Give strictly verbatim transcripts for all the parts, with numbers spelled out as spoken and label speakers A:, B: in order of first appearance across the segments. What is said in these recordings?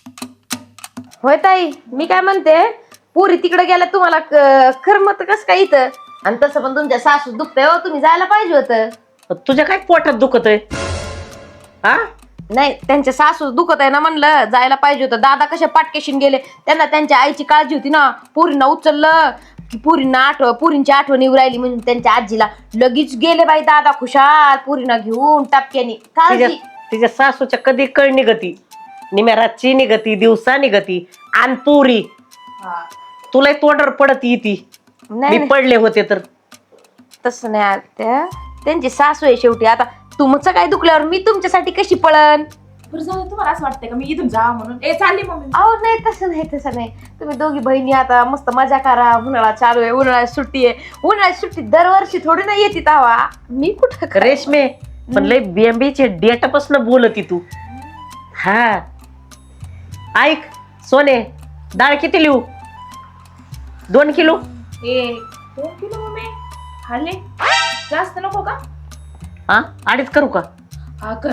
A: होय ताई, मी काय म्हणते, पुरी तिकडे गेल्या तुम्हाला खरमत कस काय इथं? आणि तसं पण तुमच्या सासू दुखतंय हो, तुम्ही जायला पाहिजे होतं.
B: तुझ्या काय पोटात दुखत आहे? हा
A: नाही, त्यांच्या सासू दुखत आहे ना, म्हणलं जायला पाहिजे होतं. दादा कशा पाटकेशीन गेले, त्यांना त्यांच्या आईची काळजी होती ना. पुरींना उचललं की पुरींना आठव पुरींची आठवण येऊ राहिली म्हणून त्यांच्या आजीला लगेच गेले बाई दादा खुशाल पुरींना घेऊन टपक्यानी. काळजी
B: तिच्या सासूच्या कधी कळ निघती, निम्या रातची निघती, दिवसा निघती. आणि पुरी तुला तोंडावर पडत येती.
A: नाही
B: मी पडले होते तर
A: तसं नाही आत्या, त्यांची सासू आहे शेवटी. आता तुमचं काय दुखल्यावर मी तुमच्यासाठी कशी पळन?
C: बरं झालं, तुम्हाला असं वाटतंय का मी इथून जा म्हणून? ए चालली मम्मी.
A: अहो नाही, तसं नाही तसं नाही. तुम्ही दोघी बहिणी आता मस्त मजा करा. उन्हाळा चालू आहे, उन्हाळ्यात सुट्टी आहे. उन्हाळ्यात सुट्टी दरवर्षी थोडी ना येते तावा. मी कुठं काय-
B: रेशमे पण लय बेंबीचे डेटापासून बोलती तू. हा ऐक सोने, डाळ किती लिहू? दोन किलो.
C: ए दोन किलो मम्मी खाल्ले, जास्त नको का?
B: हा अडीच करू का?
C: हा कर.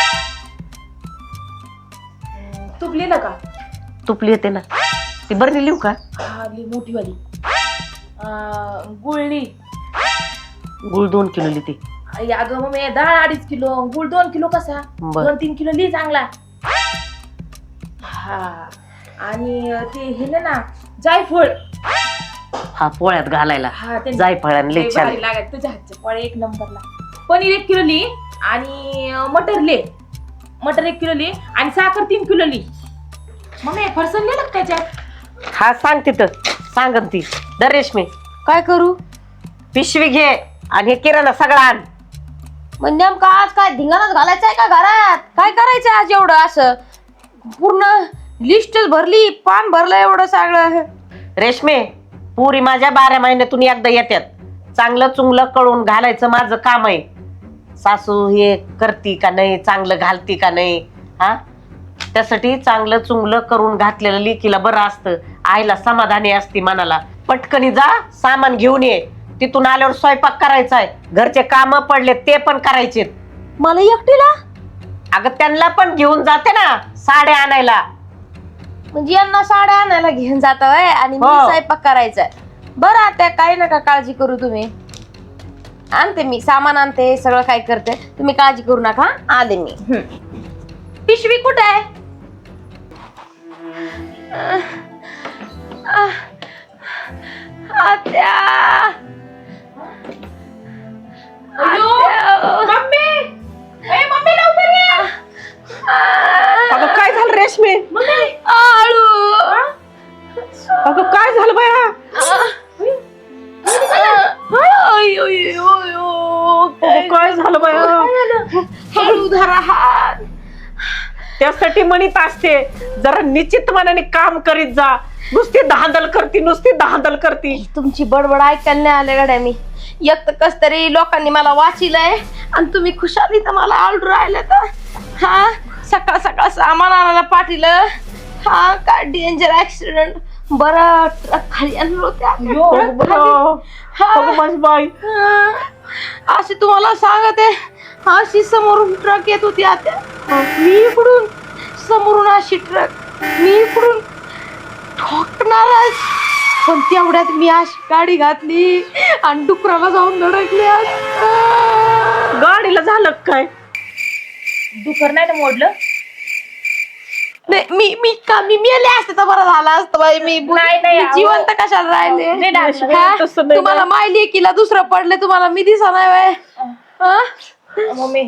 C: तूप लिहिलं का?
B: तुपली येते ना ती, बरणी लिहू का?
C: हा लिह, मोठी वाली. गुळली.
B: गुळ दोन किलो लिहिते.
C: अगं मम्मी डाळ अडीच किलो, गुळ दोन किलो कसा?
B: बर.
C: दोन तीन किलो लिह चांगला. हा आणि ते हे ना जायफळ.
B: हा पोळ्यात घालायला.
C: हा ते
B: जायफळाने लय छान.
C: भारी लागत तुझ्या हातचे पोळे एक नंबरला. पनीर एक किलो ली आणि मटर ले मटर एक किलो ली आणि साखर तीन किलो ली. मम्मी फरसन लिहिलं का त्याच्यात?
B: हा सांग तिथं, सांगन ती. दर रेशमी
A: काय करू?
B: पिशवी घे आणि हे किराणा सगळा आण.
A: मग नेमकं आज काय धिंगाणाच घालायचंय का घरात? काय करायचं आज एवढं? असं पूर्ण लिस्टच भरली, पान भरलं एवढं सगळं.
B: रेशमे पुरी माझ्या बारा महिन्यातून एकदा येतात. चांगलं चुंगलं कळून घालायचं माझं काम आहे. सासू हे करती का नाही, चांगलं घालती का नाही, हा त्यासाठी चांगलं चुंगलं करून घातलेलं लेकीला बरं असतं. आईला समाधानी असती मनाला. पटकनी जा, सामान घेऊन ये. तिथून आल्यावर स्वयंपाक करायचा आहे, घरचे काम पडले ते पण करायचे.
A: मला एकटीला?
B: अगं त्यांना पण घेऊन जाते ना साड्या आणायला.
A: म्हणजे यांना साड्या आणायला घेऊन जात आणि मी
B: हो.
A: स्वयंपाक करायचा. बरं आता काही नका काळजी करू तुम्ही. आणते मी सामान, आणते सगळं काय करते, तुम्ही काळजी करू नका. आले मी. पिशवी कुठे आहे? आत्या
C: मम्मी ए मम्मी लवकर ये.
B: अगं काय झालं रेशमे?
A: आळू.
B: अगं काय झालं बाया? अगं काय झालं बाया?
A: हळू धरा हात.
B: त्यासाठी म्हणत असते जरा निश्चित मनाने काम करीत जा. नुसती धांदल करती, नुसती धांदल करती.
A: तुमची बडबड ऐकायला नाही आले गड्या मी. एक तर कस तरी लोकांनी मला वाचिलंय आणि तुम्ही खुशाली तर मला आलडू राहिले तर. हा सकाळ सकाळ सामान आणायला पाठीलं. हा काय डेंजर ऍक्सिडेंट. बरं ट्रक खाली आणलं होत्या.
B: अगं माझी बाई,
A: अशी तुम्हाला सांगते, अशी समोरून ट्रक येत होती आता. मी इकडून समोरून अशी ट्रक, मी इकडून ठोकणारच. पण तेवढ्यात मी अशी गाडी घातली आणि डुकराला जाऊन धडकले.
B: गाडीला झालं काय?
C: दुखर नाही ना मोडलं?
A: नाही मी मी का मी मेले असते तर बरं झालं असतं बाई. मी
C: नाही, नाही,
A: मी जिवंत कशाला राहिले?
C: नाही, नाही,
A: हा?
B: तसं नाही.
A: तुम्हाला माय लेकीला दुसरं पडले, तुम्हाला मी दिसा नाही बाय.
C: मम्मी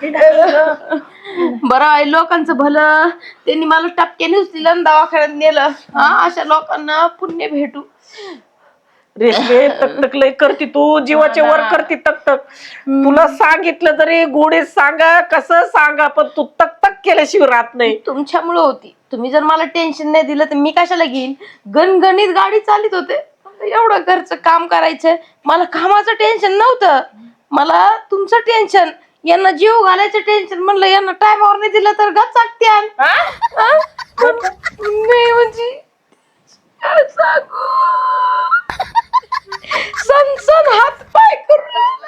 A: बरं आहे लोकांचं भलं. त्यांनी मला टपक्याने उचलेलं आणि दवाखान्यात नेलं. हा अशा लोकांना पुण्य भेटू.
B: रेशमे तक लय करती तू, जीवाचे वर करती तक तक. तुला सांगितलं तरी गोडे सांगा, कसं सांगा, पण तू तक तक केल्याशिवाय राहत नाही.
A: तुमच्यामुळे होती. तुम्ही जर मला टेन्शन नाही दिलं तर मी कशाला घेईन? गणगणित गाडी चालित होते. एवढं घरचं काम करायचं. मला कामाचं टेन्शन नव्हतं, मला तुमचं टेन्शन. यांना जीव घालायचं टेन्शन. म्हणलं यांना टायमावर नाही दिलं तर गचाकत्यान. नाही म्हणजे काय सांगू, सन सन हात पाय करून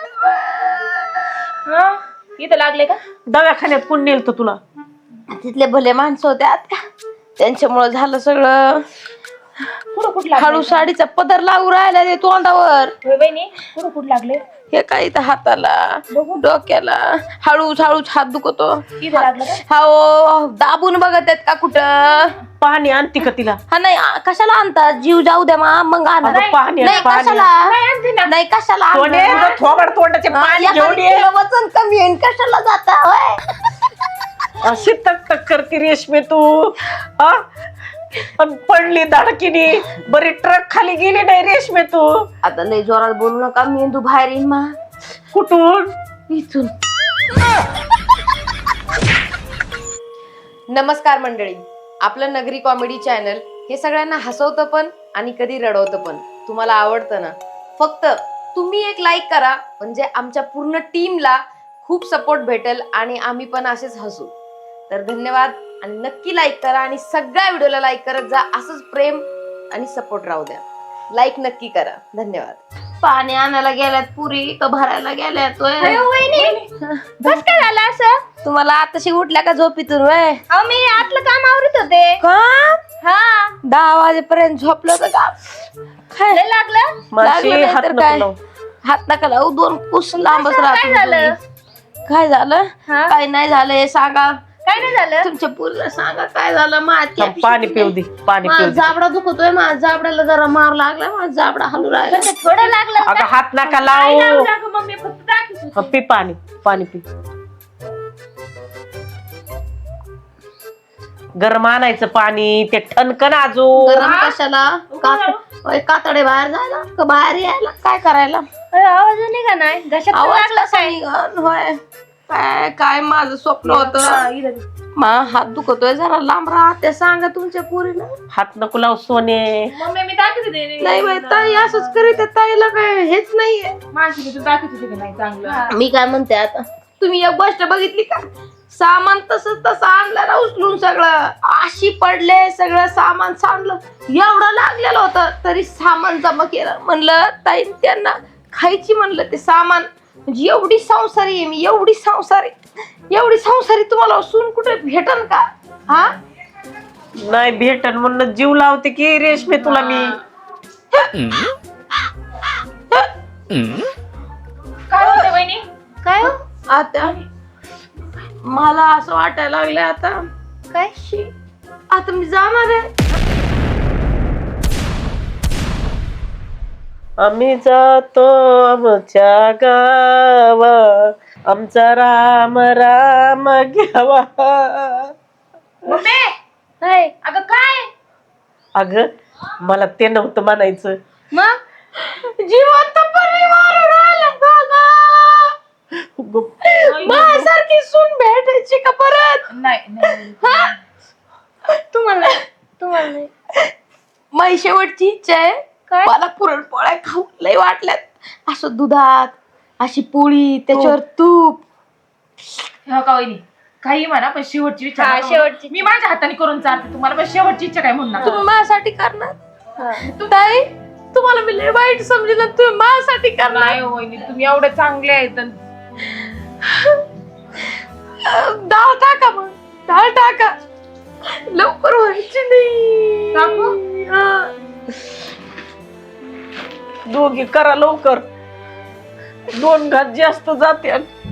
C: इथं लागले का?
B: दवाखान्यात कोण नेलत तुला?
A: तिथले भले माणसं होते आता. त्यांच्यामुळे झालं सगळं.
C: कुठं कुठं लागले
A: हळू साडीचा पदर लागू राहिला ते तोंडावर.
C: होय बहिणी कुठं कुठं लागले
A: हे काय इथं हाताला डोक्याला हळूच हळूच हात दुखतो.
C: इथं लागलं का
A: हो दाबून बघत आहेत का कुठं.
B: पाणी आणते का तिला?
A: हा नाही आ, कशाला आणतात जीव जाऊ द्या मा मग आणा.
B: अगं पाणी आण,
A: नाही
B: पाणी
A: कशाला
C: नाही आणते ना
A: नाही कशाला
B: सोने
A: आणणार?
B: जर थोबड तोंडाचे
A: हा,
B: पाणी
A: एखादी
B: घेऊन ये.
A: किलो वजन कमी आहे कशाला जाता होय?
B: अशी तक तक करती रेशमी तू हा? अन पडली धडकीने बरी ट्रक खाली गेली नाही रेशमी तू.
A: आता लय जोरात बोलू नका मेंदू बाहेर येईन मा
B: कुठून?
A: इथून.
D: नमस्कार मंडळी, आपलं नगरी कॉमेडी चॅनल हे सगळ्यांना हसवतं पण आणि कधी रडवतं पण. तुम्हाला आवडतं ना? फक्त तुम्ही एक लाईक करा म्हणजे आमच्या पूर्ण टीमला खूप सपोर्ट भेटेल आणि आम्ही पण असेच हसू. तर धन्यवाद आणि नक्की लाईक करा आणि सगळ्या व्हिडिओला लाईक करत जा. असंच प्रेम आणि सपोर्ट राहू द्या. लाईक नक्की करा. धन्यवाद.
A: पाणी आणायला गेल्यात पुरी का भरायला गेल्यात होय?
E: बस काय झालं असं?
A: तुम्हाला आताशी उठल्या का झोपीतून वय
E: अहो मी आतलं काम आवरत होते.
A: का
E: हा
A: दहा वाजेपर्यंत झोपलं तर का काय
E: लय लागलं?
B: माशी
A: लागलं नाही
B: हात
A: तर
B: नको
A: काय?
B: लावू.
A: हात नका लावू दोन कुस लांबच
E: काय
A: राहतो
E: झालं?
A: तुम्ही. काय झालं
E: हा?
A: काय नाही झालं हे सांगा.
E: काय नाही झालं?
A: तुमच्या पुरीला सांगा काय झालं माझ्या
B: थांब, पाणी पिऊ दे पाणी
A: माझा
B: पिऊ दे.
A: जाबडा दुखतोय माझ्या जाबड्याला जरा मार लागला माझा जाबडा हलू राहिला.
E: पण ते थोडं लागलं
B: अगं हात नका
C: काय
B: लावू.
C: लावू नका मम्मी फक्त टाकीच
B: हा, पी पाणी पाणी पी. गरम आणायचं पाणी ते ठणकन अजून.
A: गरम कशाला कात- होय, कातडे बाहेर जायला का बाहेर यायला काय करायला
E: अरे, आवाज नाही का नाही घशात पण
A: आवाज
E: लागला
A: कसा निघन? होय काय काय माझं स्वप्न होतं मा हात दुखतोय जरा लांब राहा ते सांगा तुमच्या पुरीला.
B: हात नको लावू सोने.
C: मम्मी मी टाकीच होते
A: नाही बाई ताई असंच करीत आहे, ताईला काय हेच नाहीये.
C: माणशी तू टाकीच होते की नाही चांगलं.
A: मी काय म्हणते आता तुम्ही एक गोष्ट बघितली का सामान तसंच तसं आणलं ना उचलून सगळं आशी पडले सगळं सामान सांडलं एवढं लागलेलं होतं तरी सामान जमा केलं. म्हणलं ताई त्यांना खायची म्हणलं ते सामान म्हणजे एवढी संसारी आहे मी एवढी संसारी एवढी संसारी तुम्हाला सून कुठे भेटन का? हा
B: नाही भेटन म्हणून जीव लावते की रेशमी तुला मी.
C: काय होतं बहिणी?
E: काय हो?
A: आता मला असं वाटायला लागलं आता
E: काय
A: शी, आता मी जाणार आहे.
B: आम्ही जातो आमच्या गावा आमचा राम राम घ्यावा.
C: मम्मी
E: काय
C: अगं काय
B: अगं मला ते नव्हतं म्हणायचं.
E: मग
A: जिवंत परिवार राहिला बघा. माझ्यासारखी सून भेटायची का परत?
C: नाही नाही
A: हा? तुम्हाला
E: तुम्हाला नाही.
A: माझी शेवटची इच्छा आहे
E: काय?
A: मला पुरणपोळ्या खाऊ लय वाटल्यात असं दुधात अशी पोळी त्याच्यावर तूप.
C: हो का वहिनी काही म्हणा पण शेवटची इच्छा
E: हा,
C: नका म्हणू.
E: शेवटची.
C: मी माझ्या हाताने करून चालते तुम्हाला पण शेवटची इच्छा काय म्हणू नका.
A: तुम्ही माझ्यासाठी करणार
E: हा.
A: ताई तुम्हाला मी लय वाईट समजलं तुम्ही माझ्यासाठी करणार.
C: नाही हो वहिनी तुम्ही एवढे चांगले आहेत.
A: डाळ टाका मग डाळ टाका लवकर व्हायची नाही.
C: टाकू?
A: हा.
B: दोघी करा लवकर दोन घात जास्त जाते.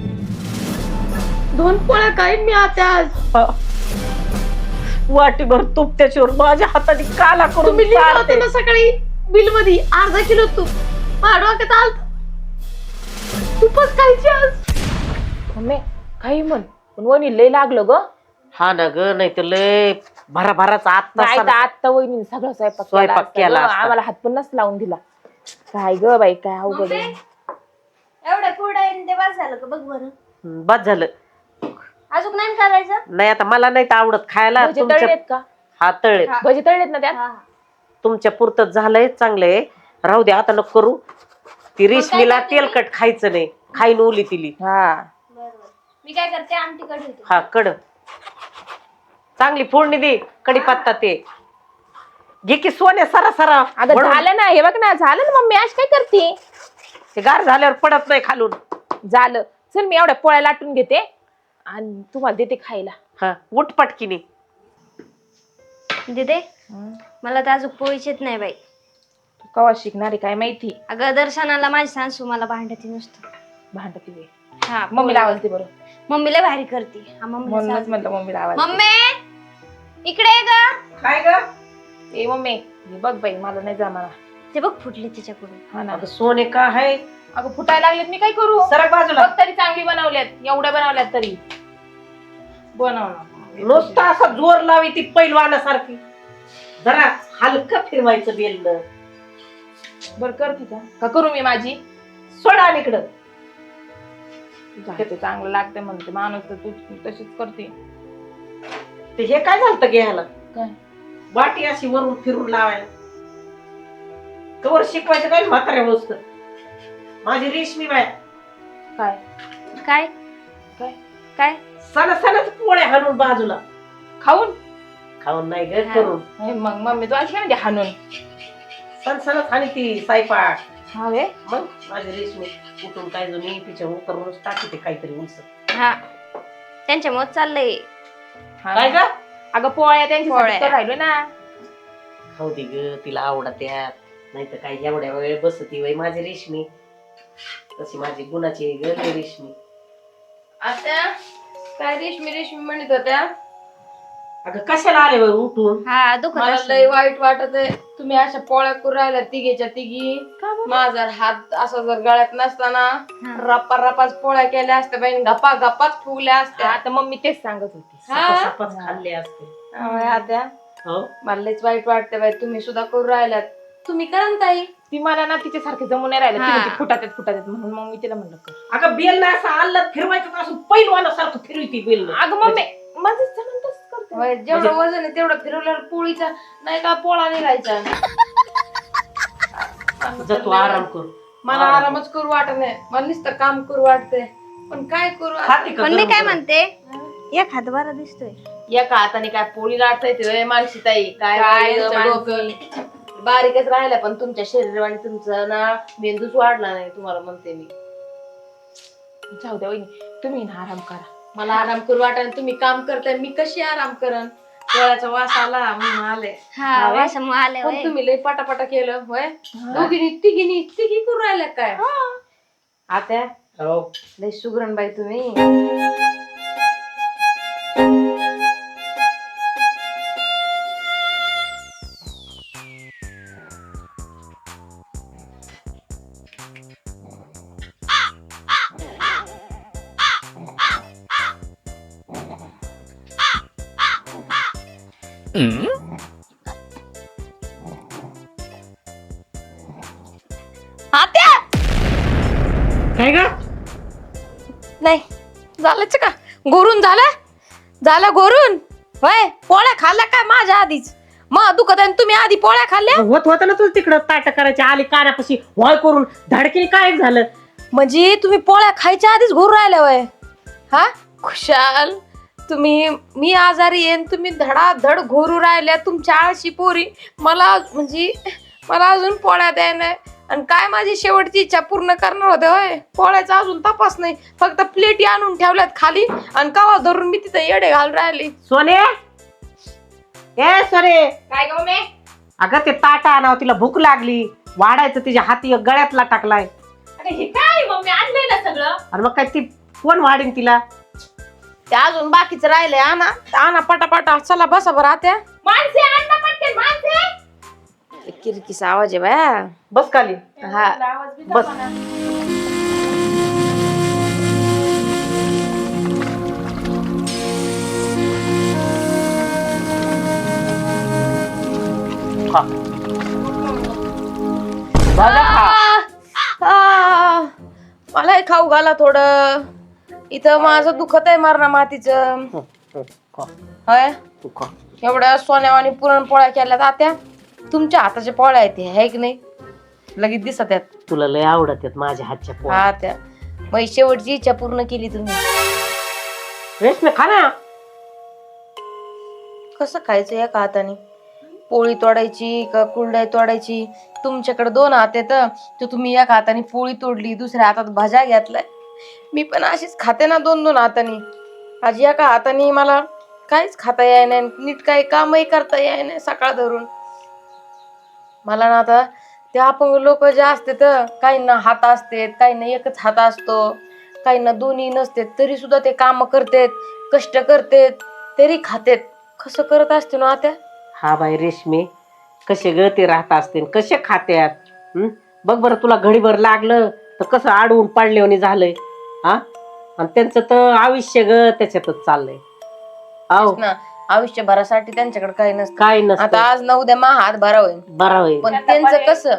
A: दोन पोळ्या काही मी आता आज
B: वाटीभर तूप त्याच्यावर माझ्या हाताने काला करून
A: तुम्ही लिहिलं
B: चारते.
A: होतं ना सकाळी बिल मध्ये अर्धा किलो तूप माझ्या डोक्यात आलं तूपच खायची आज.
C: मम्मी काही म्हण पण वहिनी लय लागलं ग.
B: हा ना ग नाही तर लय भरा भराचा
C: नाही तर
B: आत्ता
C: आता वहिनी सगळं स्वयंपाक
B: स्वयंपाक
C: असता
B: केला
C: ग.
B: असता.
C: आम्हाला हात पण नसता लावून दिला. काय ग बाई काय अवघड आहे.
E: एवढ्या कुरडा ते बस झालं का बघ बरं.
B: बस झालं.
E: अजून नाही करायचं?
B: नाही आता मला नाही तर आवडत खायला.
C: भजे
B: तुमच्या
C: तळलेत का?
B: हा तळले
C: भजे तळलेत ना त्यात?
E: हा.
B: तुमच्या पुरतं झालंय चांगलंय राहू दे आता नको करू. ती रेशमीला तेलकट खायचं नाही खाईन ओली तिली.
C: हा
E: बरोबर. मी काय करते आमटी कढी
B: हा कड चांगली फोडणी दे कढीपत्ता ते घे की सोन्या सरा सरा.
C: अगं
B: वळून.
C: झालं ना हे बघ ना झालं ना मम्मी आज काय करते.
B: ते गार झाल्यावर पडत नाही खालून.
C: झालं चल मी एवढ्या पोळ्या लाटून घेते आणि तुम्हाला देते खायला.
B: हा उठ पटकीने.
E: दिदे
C: हं?
E: मला तर अजून पोळीच नाही बाई.
C: तू कवा शिकणारी काय माहिती.
E: अगं दर्शनाला माझी सासू मला भांडती नुसतं.
C: भांडती वे
E: हा
C: मम्मीला आवडते बरं.
E: मम्मीला भारी करते. हा मम्मीला
C: म्हणूनच
E: सांग.
C: म्हणलं मम्मीला आवाज.
E: मम्मी इकडे ये ग.
B: काय ग
C: ए मम्मी हे बघ बाई मला नाही जमाना.
E: ते बघ फुटले तिच्याकडून.
C: हा ना
B: अगं सोने का आहे
C: अगं फुटायला लागलेत मी काय करू.
B: सरक बाजूला.
C: बघ तरी चांगली बनवल्यात एवढ्या बनवल्यात तरी बनव
B: नुसतं असा जोर लावी ती पैलवानासारखी. जरा हलकं फिरवायचं बेलन.
C: बर करते का का करू मी माझी.
B: सोडा इकडं.
C: ते चांगलं लागते म्हणते माणूस तर तू तशीच करते.
B: ते हे काय झालं घ्यायला
C: काय
B: वाटी अशी वरून फिरून लावायला. कवर शिकवायचं काय म्हाताऱ्या वस्त. माझी रेशमी बाय
C: काय
E: काय
C: काय
E: काय
B: सण सणच पोळ्या हाणून बाजूला.
C: खाऊन
B: खाऊन नाही ग
E: हा.
B: करून.
C: हे मग मम्मी तू अशी काय म्हणजे हाणून.
B: सण सणच आणि ती सायपाक.
C: हा वे
B: मग माझी रेशमी उठून काय जो मी तिच्या उतरूनच टाकी ते काहीतरी उंच.
E: हा त्यांच्या मत चाललंय.
B: काय ग
C: अगं पोळ्या त्यांची
E: पोळ्या.
C: राहिलो ना.
B: खाऊ दे ग तिला आवडत्यात. नाही तर काय एवढ्या वेळ बसती वय माझी रेशमी. तशी माझी गुणाची ग लय रेशमी.
A: आता काय रेशमी रेशमी म्हणत होत्या.
B: अगं कशाला आले बरं उठून.
E: हा दुखत
A: मला
E: असेल.
A: लय वाईट वाटत आहे. तुम्ही अशा पोळ्या करू राहिल्या तिघीच्या तिघी. माझा हात असा जर गळ्यात नसताना
E: हा.
A: रप्पा रपाच पोळ्या केल्या असत्या बाई. गप्पा गप्पाच फुगल्या असत्या.
C: आता मम्मी तेच सांगत होती.
A: हा?
B: सपास खाल्ले असते.
A: त्यामुळे आता
B: हो
A: मला लयच वाईट वाटतं बाई. तुम्ही सुद्धा करू राहिल्यात. तुम्ही करा ना ताई.
C: ती मला ना तिच्यासारखे जमून नाही राहिलं. ती
E: हा.
C: म्हणते फुटात फुटात म्हणून मग मी तिला म्हणलं कर.
B: अगं बेल ना असं आल्लत फिरवायचं का असं पैलवानासारखं फिरवती बेल.
C: अगं मम्मी माझं जमून तसंच करते.
A: होय, जेवढं वजन आहे तेवढं फिरवल्यावर पोळीचा नाही का पोळा निघायचा.
B: जा तू आराम कर.
A: मला आरामच करू वाटत नाही. मला नुसतं काम करू वाटतंय. पण काय करू आता?
B: खाते का
E: पण मी
B: गरम
E: काय
B: गरम?
E: म्हणते एक हात बरा दिसतोय.
A: एका हाताने काय पोळी लाटता येते मानसी ताई. काय
C: काय
A: बाई,
C: ग
A: डोकं बारीकच राहिलं पण तुमच्या शरीराने तुमचा ना मेंदूच वाढला नाही. तुम्हाला म्हणते मी.
C: जाऊ द्या वहिनी तुम्ही ना आराम करा.
A: मला आराम करू वाटत. तुम्ही काम करताय मी कशी आराम करन. डोळ्याचा वास आला म्हणून आले.
E: हा वासामुळे आले
A: पण
E: होय.
A: तुम्ही लय पटापटा केलं होय. दोघीनी तिघीनी तिघी करू राहिल्या काय. आता
B: हो
A: लय सुगरण बाई तुम्ही.
E: आत्या
B: काय ग
A: नाही झालंच का गोरून झालं झालं गोरून होय. पोळ्या खाल्ल्या काय माझ्या आधीच. मग दुखत आहे तुम्ही आधी पोळ्या खाल्ल्या.
B: होत होत ना तू तिकडं ताट करायची आली कानापाशी वॉय करून धडकीने काय झालं.
A: म्हणजे तुम्ही पोळ्या खायच्या आधीच घोरू राहिल्या वय. हा खुशाल तुम्ही. मी आजारी येईन तुम्ही धडाधड घोरू राहिल्या. तुमच्या आळशी पोरी मला म्हणजे मला अजून पोळ्या द्याय नाही. आणि काय माझी शेवटची इच्छा पूर्ण करणार होते होय. पोळ्याचा अजून तपास नाही. फक्त प्लेटी आणून ठेवल्यात खाली आणि कवा धरून मी तिथे येडे घालून राहिली.
B: सोने ए सोने
C: काय ग मम्मी.
B: अगं ते ताटा आणावं तिला भूक लागली. वाढायचं तिच्या हाती एक गळ्यातला टाकलाय.
C: अरे हे काय मम्मी आणलंय ना सगळं.
B: आणि मग काय ती कोण वाढीन तिला.
A: ते अजून बाकीचं राहिलंय. आणा आणा पटापटा. चला बसा बरं आत्या.
C: माणसे आण ना पटकन माणसे.
A: किरकिसा आवाज आहे बाया.
B: बस खाली.
A: हा
C: आवाज बी
B: बस.
C: जमाना.
B: खा. भाज्या खा.
A: आ, मलाही खाऊ घाला थोडं. इथं माझं दुखत आहे मरणा मातीचं.
B: हो, हो, खा.
A: होय
B: तू खा.
A: एवढ्या सोन्यावानी पुरणपोळ्या केल्यात आत्या. तुमच्या हाताच्या पोळ्या आहेत ह्या, है की नाही. लगेच दिसत आहेत.
B: तुला लय आवडत आहेत माझ्या हातच्या पोळ्या.
A: हा त्या मग शेवटची इच्छा पूर्ण केली तुम्ही.
B: रेशमी खा ना.
A: कसं खायचं एका हाताने. पोळी तोडायची का कुरडई तोडायची. तुमच्याकडे दोन हात आहेत तर तुम्ही एका हाताने पोळी तोडली दुसऱ्या हातात भाज्या घेतलाय. मी पण अशीच खाते ना दोन दोन हाताने. आज एका हाताने मला
D: काहीच खाता याय नाही, नीट काही कामही करता याय नाही सकाळ धरून. मला ना आता ते अपंग लोक जे असते तर काहींना हात असते, काहींना एकच हात असतो, काहींना दोन्ही नसते, तरी सुद्धा ते काम करतेत, कष्ट करतेत, तरी खातेत. कसं करत असते ना आता.
B: हा बाई रेशमी, कसे ग ते राहत असतील, कसे खात्यात. हं? बघ बरं, तुला घडीभर लागलं तर कसं आडवून पाडल्याने झालंय. हा, आणि त्यांचं तर आयुष्य ग त्याच्यातच चाललंय. आहो
D: ना आयुष्यभरासाठी त्यांच्याकडे काही नसतं.
B: काय नसतं.
D: आता आज ना उद्या मा हात भरा होईल,
B: बरा होईल.
D: पण त्यांचं कसं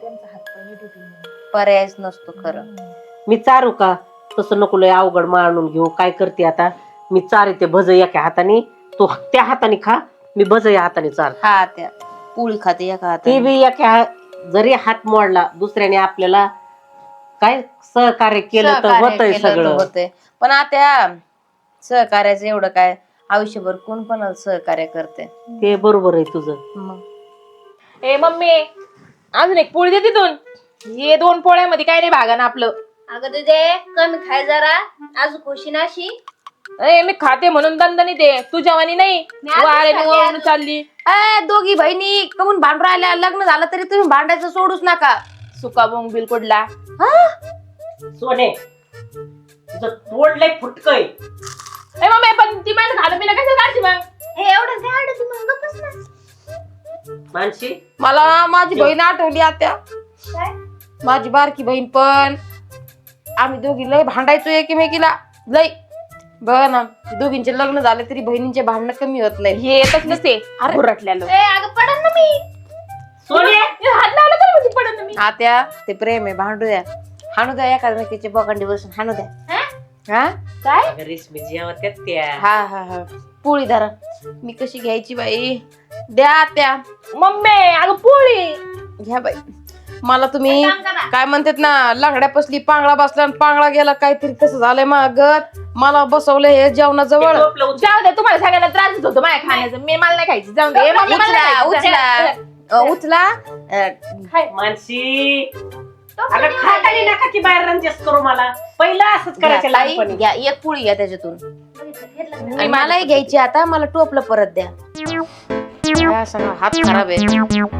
D: पर्यायच नसतो खरं.
B: मी चारू का? तसं नको लय अवघड मांडून घेऊ. काय करते आता, मी चार ते भज एका हाताने, तू त्या हाताने खा, मी भज या हाताने चार.
D: हा, त्या पोळी खाते एका
B: ते
D: हाताने.
B: बी एका हात- जरी हात मोडला दुसऱ्याने आपल्याला काय सहकार्य केलं तर
D: सहकार्य
B: होतंय
D: केलं तर
B: सगळं.
D: होतंय. पण आता सहकार्याचं एवढं काय, आयुष्यभर कोण कोणाला सहकार्य करते.
B: ते बरोबर आहे तुझं.
D: मग
C: ए मम्मी, अजून एक पोळी दे तिथून. हे दोन पोळ्यामध्ये काय नाही भागा ना आपलं.
E: अगं तुझे कमी खाय जरा, अजून खुशी नाशी.
C: ए मी खाते म्हणून दणदणी दे, तू जेवणी नाही.
E: मी आधीच
C: वारे
E: खाते,
C: निघून
E: आधीच.
C: चालली.
D: ए, दोघी बहिणी कमून भांडून राहिल्या, लग्न झालं तरी तुम्ही भांडायचं सोडूच नका.
C: सुका बोंग बिलकुडला.
B: सोने, तुझं तोंड लय फुटकय.
C: ए मम्मी, पण ती माझं खाणं पिणं कसं काढची मग?
E: हे एवढं झाड तू मग गप्पच ना.
B: मानशी,
D: मला ना माझी बहीण आठवली आता.
E: काय?
D: माझी बारकी बहीण पण, आम्ही दोघी लय भांडायचो एकमेकीला लय. बघ ना, दोघींचे लग्न झाले तरी बहिणींचे भांडणं कमी होत नाही.
C: हे येतच नसते घुरटल्याला.
E: ए अगं पडन ना मी.
B: सोने,
C: हात लावला तर म्हणजे पडत ना मी.
D: आत्या ते प्रेम आहे, भांडू द्या, हाणू द्या एकामेकीचे बोकांडी बसून हाणू द्या. हा
C: काय?
B: अगं रेशमी जेव्हा त्यात त्या
D: हा हा हा पोळी धरा. मी कशी घ्यायची बाई, द्या त्या.
C: मम्मी अगं पोळी.
D: घ्या बाई. मला तुम्ही
E: एक काम करा.
D: काय म्हणतात ना, लंगड्या पसली पांगळा बसला आणि पांगळा गेला, काहीतरी तसं झालंय मागत. मला बसवलं हे जेवणाजवळ.
C: जाऊ दे, तुम्हाला सगळ्यांना त्रासच होतो माझ्या खाण्याचं. मी मला नाही खायचं. जाऊ दे. ए, मम्मी, मला
D: उचला
C: नाही
D: उचला
C: खायचं.
D: अ, उचला अ,
B: मानशी, अगं खातानी नका की बाहेर रंजस करू मला. पहिलं असंच
D: घ्या
B: करायचं
D: ताई,
B: लहानपणी.
D: घ्या एक पोळी घ्या त्याच्यातून.
E: घेतलं का?
D: आणि मलाही घ्यायची आता, मला टोपलं परत द्या. हा, सगळा हात खराब आहे.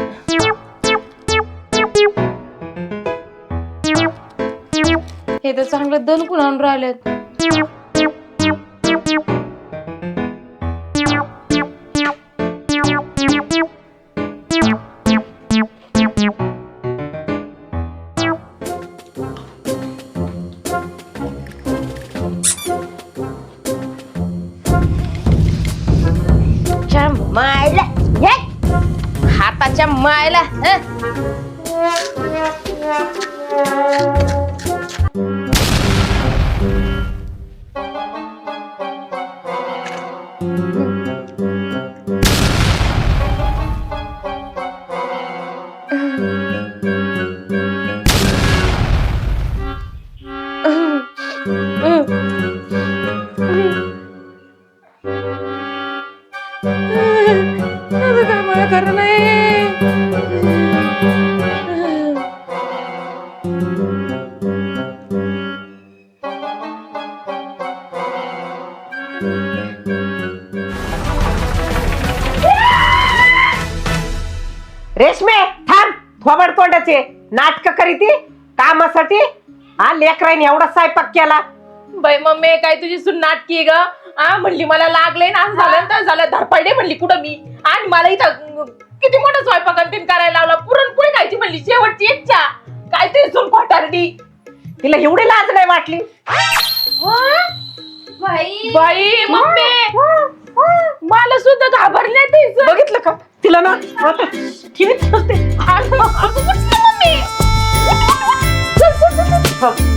D: हे तर चांगलं दणकून आणून राहिलेत. च्या मायला हे, हाताच्या मायला हं? आता काय मला खरं नाही.
B: रेशमे थांब, थोबड तोंडाचे नाटक करीती कामासाठी. हा, लेकराईने एवढा स्वयंपाक केला.
C: बाई मम्मी, काय तुझी सून नाटकी ग. आ म्हणली मला लागले ना, असं झालं तर झालं, धरपडे म्हणली कुठं मी. आणि मला इथं किती मोठा स्वयंपाक अंतिम करायला लावला. पुरणपोळी खायची म्हणली, शेवटची इच्छा. काय ते सून खोटारडी.
B: तिला एवढी लाज नाही वाटली.
E: बाई
C: बाई मम्मी, मला सुद्धा घाबरले ते.
B: बघितलं का तिला ना आता ठेवीत ठेवते.
C: मम्मी.
B: हो.